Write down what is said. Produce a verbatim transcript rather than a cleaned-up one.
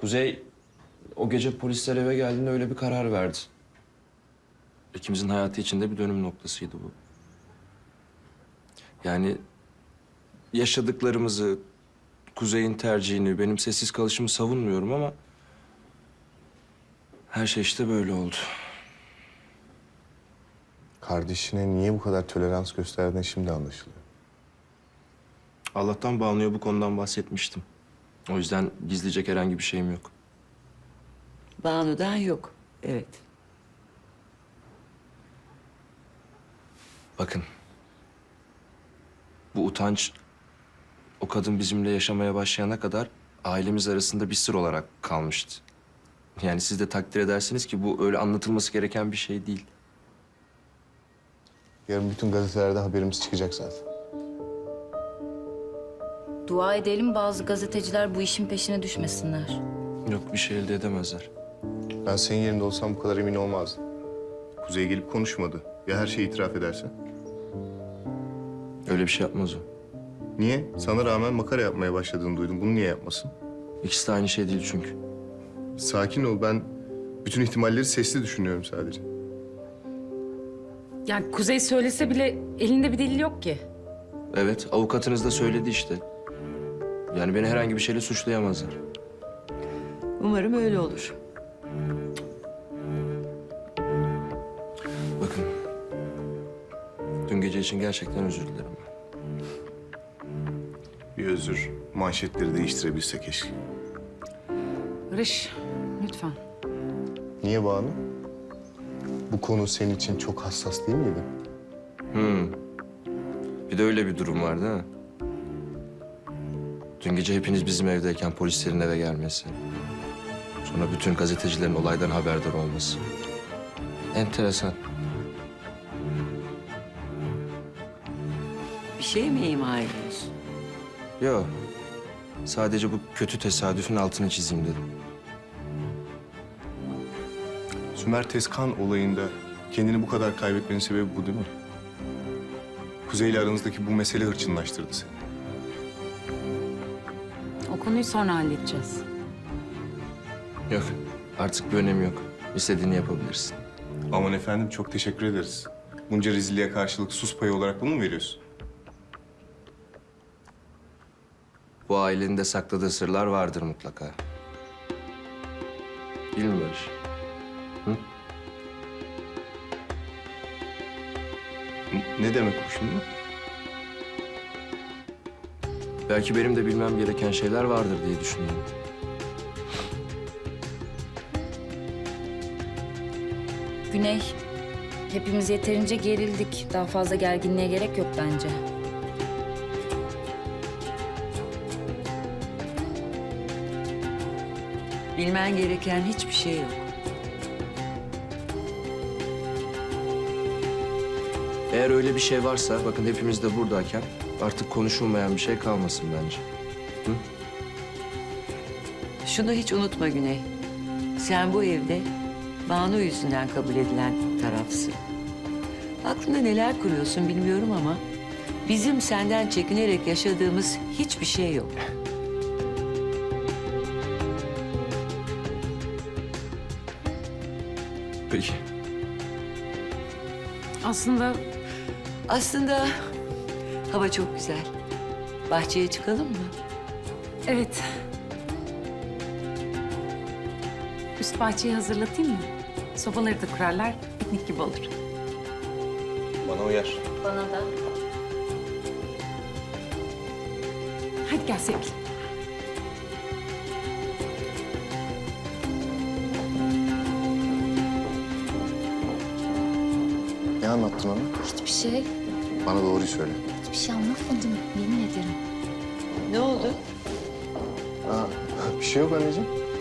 Kuzey o gece polisler eve geldiğinde öyle bir karar verdi. İkimizin hayatı içinde bir dönüm noktasıydı bu. Yani yaşadıklarımızı, Kuzey'in tercihini, benim sessiz kalışımı savunmuyorum ama... her şey işte böyle oldu. Kardeşine niye bu kadar tolerans gösterdiğin şimdi anlaşılıyor. Allah'tan Banu'ya bu konudan bahsetmiştim. O yüzden gizleyecek herhangi bir şeyim yok. Banu'dan yok. Evet. Bakın. Bu utanç o kadın bizimle yaşamaya başlayana kadar ailemiz arasında bir sır olarak kalmıştı. Yani siz de takdir edersiniz ki bu öyle anlatılması gereken bir şey değil. Yarın bütün gazetelerde haberimiz çıkacak zaten. Dua edelim bazı gazeteciler bu işin peşine düşmesinler. Yok bir şey elde edemezler. Ben senin yerinde olsam bu kadar emin olmazdım. Kuzey gelip konuşmadı. Ya her şeyi itiraf ederse? Öyle bir şey yapmaz o. Niye? Sana rağmen makara yapmaya başladığını duydum. Bunu niye yapmasın? İkisi de aynı şey değil çünkü. Sakin ol. Ben bütün ihtimalleri sesli düşünüyorum sadece. Yani Kuzey söylese bile elinde bir delil yok ki. Evet avukatınız da söyledi işte. Yani beni herhangi bir şeyle suçlayamazlar. Umarım öyle olur. Bakın. Dün gece için gerçekten özür dilerim. Bir özür. Manşetleri değiştirebilse keşke. Barış, lütfen. Niye Banu? Bu konu senin için çok hassas değil miydi? Hmm. Bir de öyle bir durum var değil mi? Dün gece hepiniz bizim evdeyken polislerin eve gelmesi. Sonra bütün gazetecilerin olaydan haberdar olması. Enteresan. Bir şey mi ima ediyorsun? Yok. Sadece bu kötü tesadüfün altını çizeyim dedim. Sümer Tezkan olayında kendini bu kadar kaybetmenin sebebi bu değil mi? Kuzey'le aranızdaki bu mesele hırçınlaştırdı seni. O konuyu sonra halledeceğiz. Yok. Artık bir önemi yok. İstediğini yapabilirsin. Aman efendim çok teşekkür ederiz. Bunca rezilliğe karşılık sus payı olarak bunu mu veriyorsun? Bu ailenin de sakladığı sırlar vardır mutlaka. Değil mi Barış? Hı? N- Ne demek bu şimdi? Belki benim de bilmem gereken şeyler vardır diye düşündüm. Güney, hepimiz yeterince gerildik. Daha fazla gerginliğe gerek yok bence. Bilmen gereken hiçbir şey yok. Eğer öyle bir şey varsa, bakın hepimiz de buradayken artık konuşulmayan bir şey kalmasın bence. Şunu hiç unutma Güney. Sen bu evde Banu yüzünden kabul edilen tarafsın. Aklında neler kuruyorsun bilmiyorum ama... bizim senden çekinerek yaşadığımız hiçbir şey yok. Peki. Aslında Aslında hava çok güzel. Bahçeye çıkalım mı? evet. Üst bahçeyi hazırlatayım mı? Sobaları da kurarlar, piknik gibi olur. Bana uyar. Bana da. Hadi gel sevgilim. Ne anlattın ona? Hiçbir şey, Bana doğruyu söyle. hiçbir şey anlatmadım. Yemin ederim. Ne oldu? Aa, bir şey yok anneciğim.